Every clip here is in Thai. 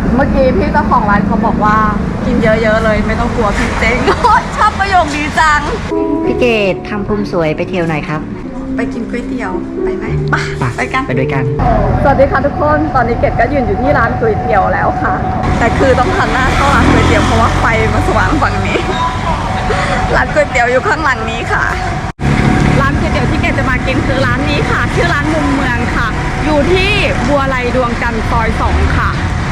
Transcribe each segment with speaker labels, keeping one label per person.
Speaker 1: เมื่อกี้พี่เจ้าของร้านเขาบอกว่ากินเยอะๆเลยไม่ต้องกลัวพี่เจ๊ง ชอบประโยคดีจัง
Speaker 2: พี่เกดทำภูมิสวยไปเที่ยวหน่อยครับ
Speaker 1: ไปกินก๋วยเตี๋ยวไปไหมไปกัน
Speaker 2: ไปด้วยกัน
Speaker 1: สวัสดีค่ะทุกคนตอนนี้เกดก็ยืนอยู่ที่ร้านก๋วยเตี๋ยวแล้วค่ะ แต่คือต้องหันหน้าเข้าร้านก๋วยเตี๋ยวเพราะว่าไฟมันสว่างฝั่งนี้ ร้านก๋วยเตี๋ยวอยู่ข้างหลังนี้ค่ะ ร้านก๋วยเตี๋ยวที่เกดจะมากินคือร้านนี้ค่ะชื่อร้านมุมเมืองค่ะ อยู่ที่บัวไลดวงจันทร์ซอย2ค่ะ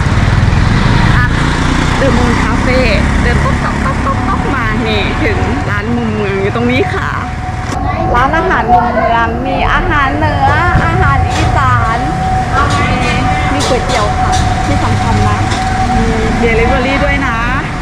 Speaker 1: เดอะมูนคาเฟ่เดินต๊อกมานี่ถึงร้านมุมเมืองอยู่ตรงนี้ค่ะ ร้านอาหารมุมเมืองมีอาหารเหนืออาหารอีสานมีก๋วยเตี๋ยวค่ะที่สำคัญนะมีเดลิเวอรี่ด้วยนะ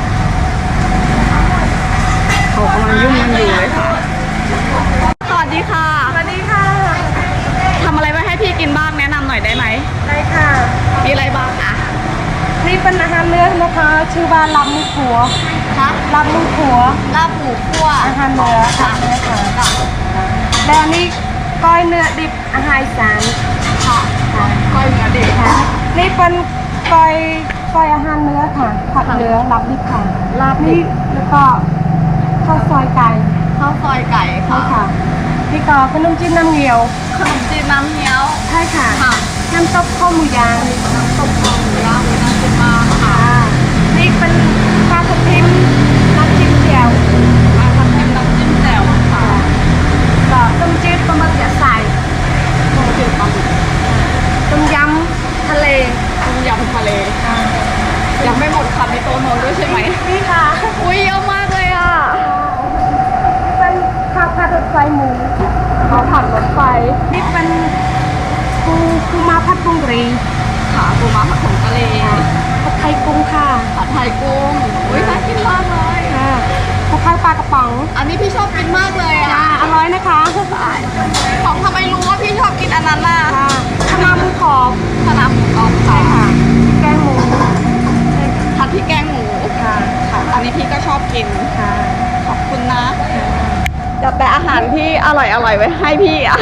Speaker 1: เขากำลังยุ่งกันอยู่เลยค่ะสวัสดีค่ะสวัสดีค่ะทำอะไรไว้ให้พี่กินบ้างแนะนำหน่อยได้ไหม
Speaker 3: ได้ค่ะ
Speaker 1: มีอะไรบ้างคะ
Speaker 3: นี่เป็นอาหารเนื้อนะคะชื่อว่าลาบหมูขัว
Speaker 1: คะ
Speaker 3: ลาบหมูขัว
Speaker 1: ลาบหมูคั่ว
Speaker 3: อาหารเนื้อค่ะเนื้อค่ะและอันนี้ก้อยเนื้อดิบอาหารอีสาน
Speaker 1: ค่ะก้อยเนื้อดิบ
Speaker 3: ค่ะนี่เป็นก้อยอาหารเนื้อค่ะผัดเนื้อลาบดิบค่ะ
Speaker 1: ลาบดิ
Speaker 3: นี่
Speaker 1: บ
Speaker 3: แล้วก็ข้าวซอยไก่
Speaker 1: ข้าวซอยไก่
Speaker 3: ใช่
Speaker 1: ค่ะ
Speaker 3: ค่ะนี่ก็ขนมจีนน้ำเงี้ยว
Speaker 1: ขนมจีนน้ำเงี้ยว
Speaker 3: ใช่ค่ะ
Speaker 1: ค่ะ
Speaker 3: น้ำตกข้าวหมูย่าง
Speaker 1: น้ำตกคอหมูย่างน่ากินมากค่ะ
Speaker 3: ค่ะนี่เป็นปลาทับทิมน้ำจิ้มแจ่ว
Speaker 1: มาทำเป็นน้ำจิ้มแจ่วค่ะ
Speaker 3: ก็ต้มจืดปลาหมึกยัดใส่
Speaker 1: ต้มจืดปลาหมึก
Speaker 3: ต้มยำทะเล
Speaker 1: ต้มยำทะเลยังไม่หมดค่ะมีโตโน่ด้วยใช่ไหม
Speaker 3: นี่ค่ะ
Speaker 1: อุ้ยเยอะมากเลยอ่ะ
Speaker 3: เป็นข้าวผัดรถไฟหมู
Speaker 1: เขาผัดรถไฟ
Speaker 3: นี่เป็นปูมาผัดกุ้งกรี
Speaker 1: ขาปูม้าผัดผงกะหรี่
Speaker 3: ผัดไทยกุ้งค่ะ
Speaker 1: ผัดไทยกุ้งอุ้ยน่ากินมากเลย
Speaker 3: ค่ะผัดไทยปลากระป๋อง
Speaker 1: อันนี้พี่ชอบกินมากเลย
Speaker 3: จ้า
Speaker 1: อ่ะ
Speaker 3: อร่อยนะคะ
Speaker 1: ของทำไมรู้ว่าพี่ชอบกินอันนั้นล่ะ
Speaker 3: ค่ะข้าวหน้าหมูกรอบ
Speaker 1: ขนาดหมูกรอบ
Speaker 3: ใช่
Speaker 1: ค่ะ
Speaker 3: ค่ะแกงหมู
Speaker 1: ผัดพริกแกงหมู
Speaker 3: ค่ะ
Speaker 1: ค่ะอันนี้พี่ก็ชอบกิน
Speaker 3: ค่ะ
Speaker 1: ขอบคุณนะจัดแต่อาหารที่อร่อยไว้ให้พี่อ่ะ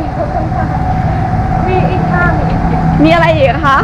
Speaker 3: มีอีกค่ะมีอีก
Speaker 1: มีอะไรอีกคะ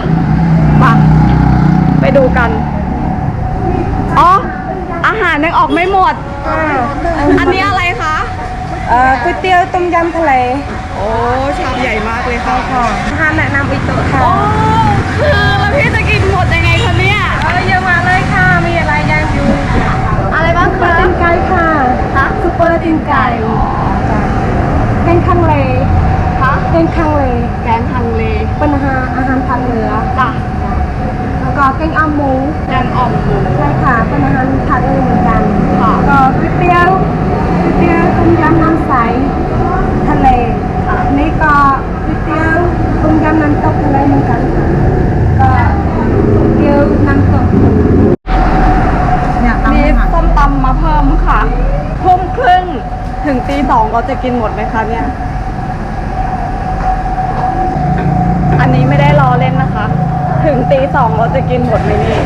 Speaker 1: ไปดูกัน อ๋อ อาหารยังออกไม่หมด
Speaker 3: ค่ะ
Speaker 1: อันนี้อะไรคะ
Speaker 3: ก๋วยเตี๋ยวต้มยำทะเล
Speaker 1: โอ้ชามใหญ่มากเลยค่ะ
Speaker 3: ค่ะอาหารแนะนำอีกโต๊ะค่ะ
Speaker 1: โอ้คือแล้วพี่จะกินหมดยังไงคะเนี่ย
Speaker 3: เยอะมากเลยค่ะ มีอะไรย่างอยู่
Speaker 1: อะไรบ้าง
Speaker 3: ซุปเปอ
Speaker 1: คะ
Speaker 3: ร์ตีนไก่ค่ะ
Speaker 1: คะ
Speaker 3: ซุปเปอร์ตีนไก่แกงคังเล
Speaker 1: คะ
Speaker 3: แกงคังเล
Speaker 1: แกงฮังเล
Speaker 3: เป็นอาหารทางเหนือ
Speaker 1: จ้ะ
Speaker 3: แล้วก็แกงอ่อมหมู
Speaker 1: แกงอ่อมหมู
Speaker 3: ใช่ค่ะเป็นอาหารทางเหนือเหมือนกัน
Speaker 1: ค่ะ
Speaker 3: ก็ก๋วยเตี๋ยวต้มยำน้ำใสทะเลนี่ก็ก๋วยเตี๋ยวต้มยำน้ำตกทะเลเหมือนกันค่ะก็ก๋วยเตี๋ยวน้ำตก
Speaker 1: มีส้มตำมาเพิ่มค่ะทุ่มครึ่งถึงตี 2เราจะกินหมดไหมคะเนี่ย อันนี้ไม่ได้รอเล่นนะคะ ถึงตี 2เราจะกินหมดไหมนี่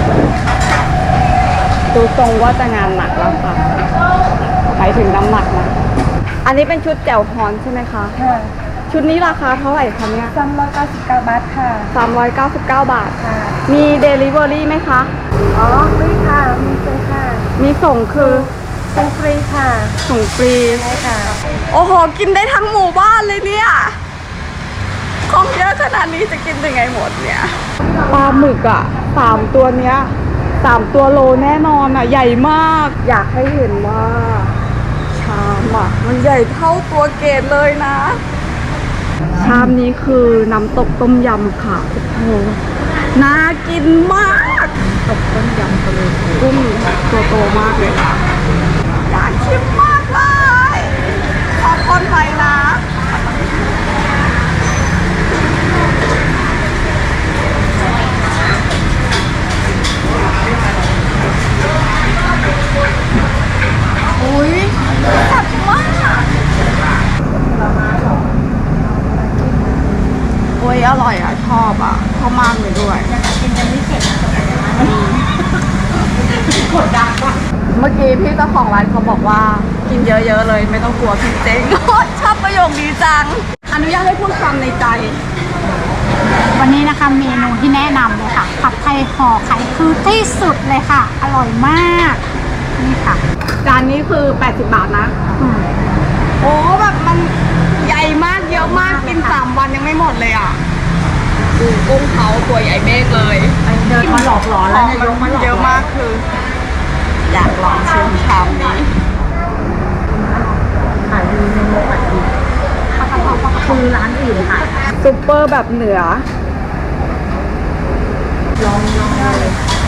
Speaker 1: ดูทรงว่าจะงานหนักแล้วค่ะไปถึงน้ำหนักนะ อันนี้เป็นชุดแจ่วฮอนใช่ไหมคะ
Speaker 3: ค่ะ
Speaker 1: ชุดนี้ราคาเท่าไหร่คะเนี่ย
Speaker 3: 399 บาทค่ะ
Speaker 1: 399 บาท
Speaker 3: ค่ะ
Speaker 1: มีเดลิเวอรี่ไหมคะ
Speaker 3: อ๋อฟรีค่ะ มีฟรีค่ะ
Speaker 1: มีส่งคือ
Speaker 3: เป็นฟรีค่ะ
Speaker 1: ส่งฟรี
Speaker 3: ใช่ค่ะ
Speaker 1: โอ้โห กินได้ทั้งหมู่บ้านเลยเนี่ย ของเยอะขนาดนี้จะกินยังไงหมดเนี่ย ปลาหมึกอ่ะ3 ตัวเนี้ย3 ตัวโลแน่นอนอ่ะ ใหญ่มาก อยากให้เห็นว่าชามอ่ะ มันใหญ่เท่าตัวเกดเลยนะ ชามนี้คือน้ำตกต้มยำค่ะ โอ้โห น่ากินมากตกต้มยำทะเลกุ้งตัวโตมากเลยค่ะอยากชิมมากเลยขอคนไปนะอุ้ยแซ่บมากโอ้ยอร่อยอ่ะ ชอบอ่ะชอบมากเลยด้วย
Speaker 3: กดดันมาก
Speaker 1: เมื่อกี้พี่เจ้าของร้านเขาบอกว่ากินเยอะๆเลยไม่ต้องกลัวพี่เจ๊ง ชอบประโยคดีจัง อนุญาตให้พูดความในใจ
Speaker 4: วันนี้นะคะเมนูที่แนะนำเลยค่ะผัดไทยห่อไข่คือที่สุดเลยค่ะ อร่อยมากนี่ค่ะ
Speaker 1: จานนี้คือ 80 บาทนะ
Speaker 4: อืม
Speaker 1: โอ้แบบมันใหญ่มากเยอะมากกิน3 วันยังไม่หมดเลยอ่ะดูกุ้งเขาตัวใหญ่เบ้กเลย
Speaker 2: เดินมาหลอกหลอนแล้วเนี่ยยกมาหลอก
Speaker 1: เยอะมากคือ อยากลองชิมชามนี้
Speaker 2: ขายดีในโมขายดีคือร้านอื่นขาย
Speaker 1: ซุปเปอร์แบบเหนือ
Speaker 2: ลองเลย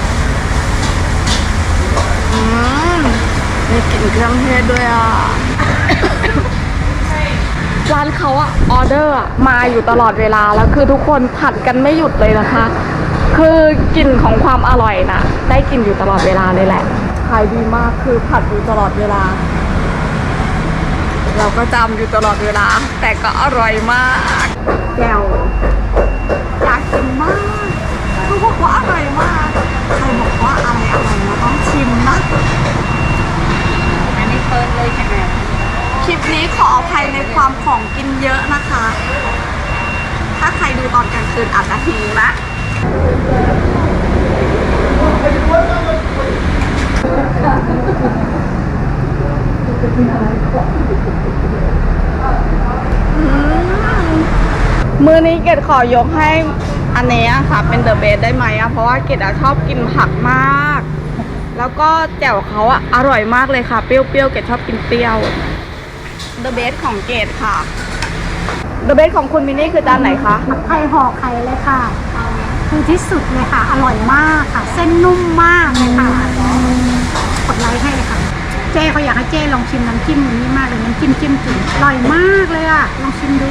Speaker 1: มีกลิ่นเครื่องเทศด้วยอ่ะ ร้านเขาอะออเดอร์อะมาอยู่ตลอดเวลาแล้วคือทุกคนผัดกันไม่หยุดเลยนะคะ คือกลิ่นของความอร่อยนะได้กลิ่นอยู่ตลอดเวลาเลยแหละขายดีมากคือผัดอยู่ตลอดเวลา เราก็จำอยู่ตลอดเวลา แต่ก็อร่อยมากแจ่วอยากกินมากคือบอกว่าอร่อยมากใครบอกว่าอะไรเราต้องชิมนะ
Speaker 2: อันนี้เปิดเลยใช่ไหม
Speaker 1: คลิปนี้ขออภัยในความของกินเยอะนะคะ ถ้าใครดูตอนกลางคืนอาจจะหิวนะ มือนี้เกดขอยกให้อันนี้ค่ะเป็นเดอะเบสได้ไหมอะเพราะว่าเกดอะชอบกินผักมาก แล้วก็แจ่วเขาอะอร่อยมากเลยค่ะ เปรี้ยวๆเกดชอบกินเปรี้ยวเดอะเบสของเกดค่ะเดอะเบสของคุณมินนี่คือจานไหนคะ
Speaker 4: ผัดไทยห่อไข่เลยค่ะ คือที่สุดเลยค่ะ อร่อยมากค่ะ เส้นนุ่มมากเลยค่ะกดไลค์ให้เลยค่ะ เจ้เขาอยากให้เจ้ลองชิมน้ำจิ้มอันนี้มากเลยน้ำจิ้มจุ่มอร่อยมากเลยอ่ะลองชิมดู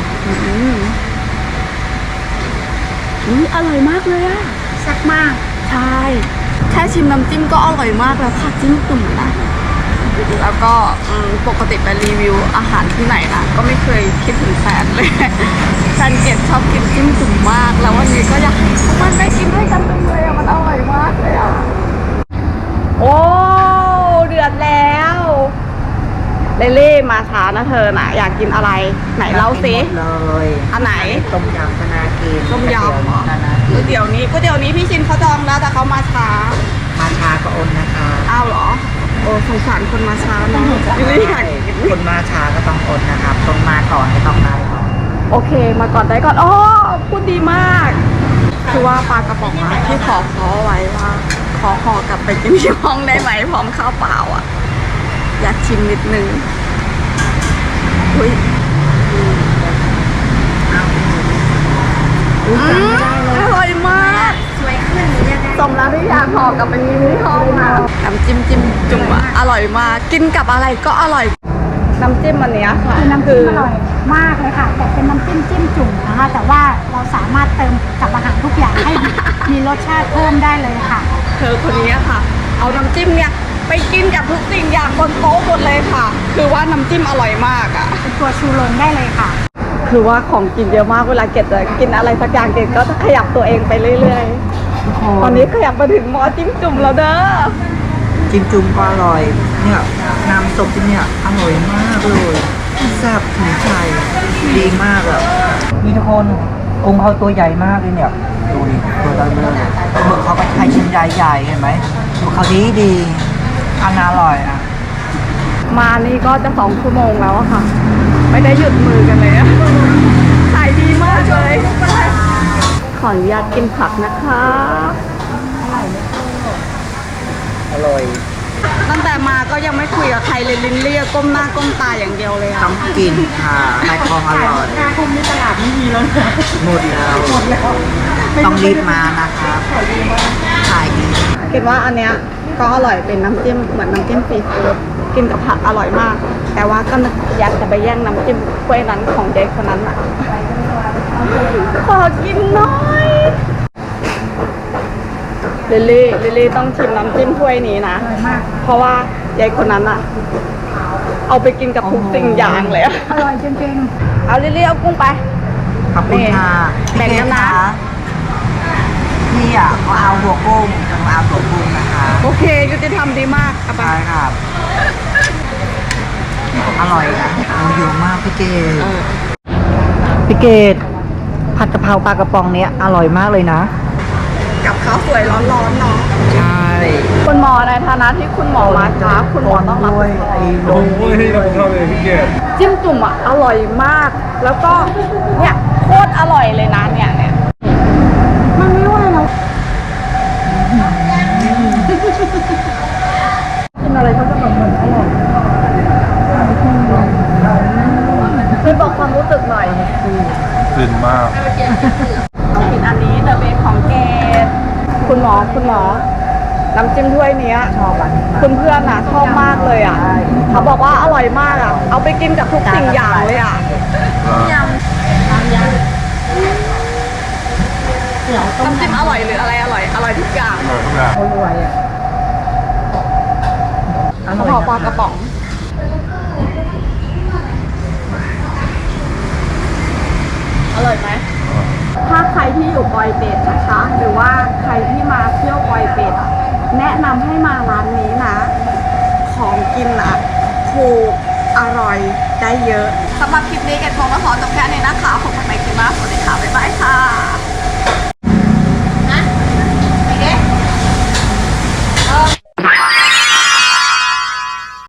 Speaker 1: อร่อยมากเลยอะ
Speaker 4: แซ่บมาก
Speaker 1: ใช่แค่ชิมน้ำจิ้มก็อร่อยมากแล้วค่ะจิ้มตุ่มนะแล้วก็ปกติไปรีวิวอาหารที่ไหนนะก็ไม่เคยคิดถึงแฟนเลย แฟนเกดชอบกินจิ้มตุ่มมาก แล้ววันนี้ก็อยากให้ทุกคนได้กินด้วยกันจังเลยอะมันอร่อยมากเลยอะโอ้เดือดแล้วเล่มาช้านะเธอนะอยากกินอะไรไหนเล่าซิ
Speaker 2: เลย
Speaker 1: อันไหน
Speaker 2: ต้มยำธนาเกณฑ์
Speaker 1: ต้มยำเหรอ
Speaker 2: ธนาเก
Speaker 1: ก๋วย
Speaker 2: ณฑ์
Speaker 1: เตี๋ยวนี้พี่ชินเขาจองแล้วแต่เขามาช้า
Speaker 2: มาชาก็โอนนะคะ
Speaker 1: อ้าวเหรอ โอ้สงสารคนมาช้าเนาะไม่อยากกิน
Speaker 2: คนมาชาก็ต้องโอนนะครับต้องมาก่อนก็ต้องได้ก่อน
Speaker 1: โอเค มาก่อนได้ก่อนอ๋อพูดดีมาก คือว่าปลากระป๋องอะที่ขอเขาเอาไว้ว่า ขอห่อกลับไปกินที่ห้องได้ไหมพร้อมข้าวเปล่าอ่ะ อยากชิมนิดนึงอุ้ยอร่อยมาก
Speaker 4: สวยขึ้นยังไง
Speaker 1: สมแล้วที่อยากห่อกลับไปกินที่ห้องนะน้ำจิ้มจุ่มอะอร่อยมาก กินกับอะไรก็อร่อย น้ำจิ้มอันเนี้ยค่ะ
Speaker 4: คือน้ำจิ้มอร่อยมากเลยค่ะ แต่เป็นน้ำจิ้มจุ่มนะคะ แต่ว่าเราสามารถเติมกับอาหารทุกอย่างให้มีรสชาติเพิ่มได้เลยค่ะ
Speaker 1: เธอคนนี้ค่ะ เอาน้ำจิ้มเนี่ยไปกินกับทุกสิ่งอย่างบนโต๊ะหมดเลยค่ะ คือว่าน้ำจิ้มอร่อยมากอ่ะ
Speaker 4: เป็นตัวชูโรงได้เลยค่ะ
Speaker 1: คือว่าของกินเยอะมากเวลาเกดจะกินอะไรสักอย่างเกดก็จะขยับตัวเองไปเรื่อยๆ ตอนนี้ขยับมาถึงหม้อจิ้มจุ่มแล้วเด้อ
Speaker 2: จิ้มจุ่มก็อร่อย เนี่ยน้ำซุปที่เนี่ยอร่อยมากเลยแซ่บถึงใจดีมากอ่ะนี่ทุกคนองค์เขาตัวใหญ่มากเลยเนี่ยดูดิตัวเบลอเลยหมึกเขาก็ใช้ชิ้นใหญ่ๆเห็นไหมหมึกเขาดีอันอร่อยอ่ะ
Speaker 1: มานี่ก็จะ2 ชั่วโมงแล้วอะค่ะ ไม่ได้หยุดมือกันเลยอะขายดีมากเลย ขออนุญาตกินผักนะคะ
Speaker 2: อร่อย
Speaker 1: ตั้งแต่มาก็ยังไม่คุยกับใครเลยลิ้นเรียกก้มหน้าก้มตาอย่างเดียวเลย
Speaker 2: ต้
Speaker 1: อะ
Speaker 2: องกินค่ะไข่ทองอร่อย
Speaker 4: คุมในตลาดไม่มีแล้ว
Speaker 2: หมดแล้วต้องรีบมานะครับขายดี
Speaker 1: คิดว่าอันเนี้ยก็อร่อยเป็นน้ำจิ้มเหมือนน้ำจิ้มซีฟู้ดกินกับผักอร่อยมาก แต่ว่าก็อยากจะไปแย่งน้ำจิ้มถ้วยนั้นของยายคนนั้นอะขอกินหน่อยลิลลี่ต้องชิมน้ำจิ้มถ้วยนี้นะ
Speaker 4: อร่อยมาก
Speaker 1: เพราะว่ายายคนนั้นอะเอาไปกินกับทุกสิ่งอย่างเลยอะ
Speaker 4: อร่อยจริง
Speaker 1: เอาลิลลี่เอากุ้งไป
Speaker 2: ขอบคุณค่ะ
Speaker 1: แบ่งกันนะ
Speaker 2: พี่อ่ะเขาเอาหัวกุ้งจะมาเอาหัวกุ้งนะคะ
Speaker 1: โอเคยุติธรรมดีมากเอาไป
Speaker 2: ใช่ครับ อร่อยนะเยอะมากพี่เกด
Speaker 1: เออ
Speaker 2: พี่เกดผัดกะเพราปลากระป๋องเนี้ยอร่อยมากเลยนะ
Speaker 1: กับข้าวสวยร้อนๆเนาะ
Speaker 2: ใช่
Speaker 1: คุณหมอในฐานะที่คุณหมอมาช้าคุณหมอต้องรับ
Speaker 2: ด้วยไอ้โดน
Speaker 1: จิ้มจุ่มอ่ะอร่อยมาก แล้วก็เนี่ยโคตรอร่อยเลยนะเนี่ยมันไม่ไหวแล้วกินอะไรก็จะแบบเหมือนอร่อยช่วยบอกความรู้สึกหน่อย
Speaker 5: ฟินมาก
Speaker 1: ต้องกินอันนี้เดอะเบสของเกดคุณหมอน้ำจิ้มถ้วยเนี้ย
Speaker 2: ชอบอ่ะ
Speaker 1: คุณเพื่อนน่ะชอบมากเลยอ่ะเขาบอกว่าอร่อยมากอ่ะเอาไปกินกับทุกสิ่งอย่างเลยอ่ะยำน้ำจิ้มอร่อยหรืออะไรอร่อยอร่อยทุกอย่าง
Speaker 2: อร่อยอ่ะอก
Speaker 1: ระ
Speaker 2: ร่อย
Speaker 1: เพาะปลา
Speaker 2: นะ
Speaker 1: กระป๋อง อร่อยไหม ถ้าใครที่อยู่ปอยเป็ดนะคะ หรือว่าใครที่มาเที่ยวปอยเป็ดอะแนะนำให้มาร้านนี้นะ ของกินอ่ะถูกอร่อยได้เยอะสำหรับคลิปนี้เกดคงมาขอจบแค่นี้นะคะ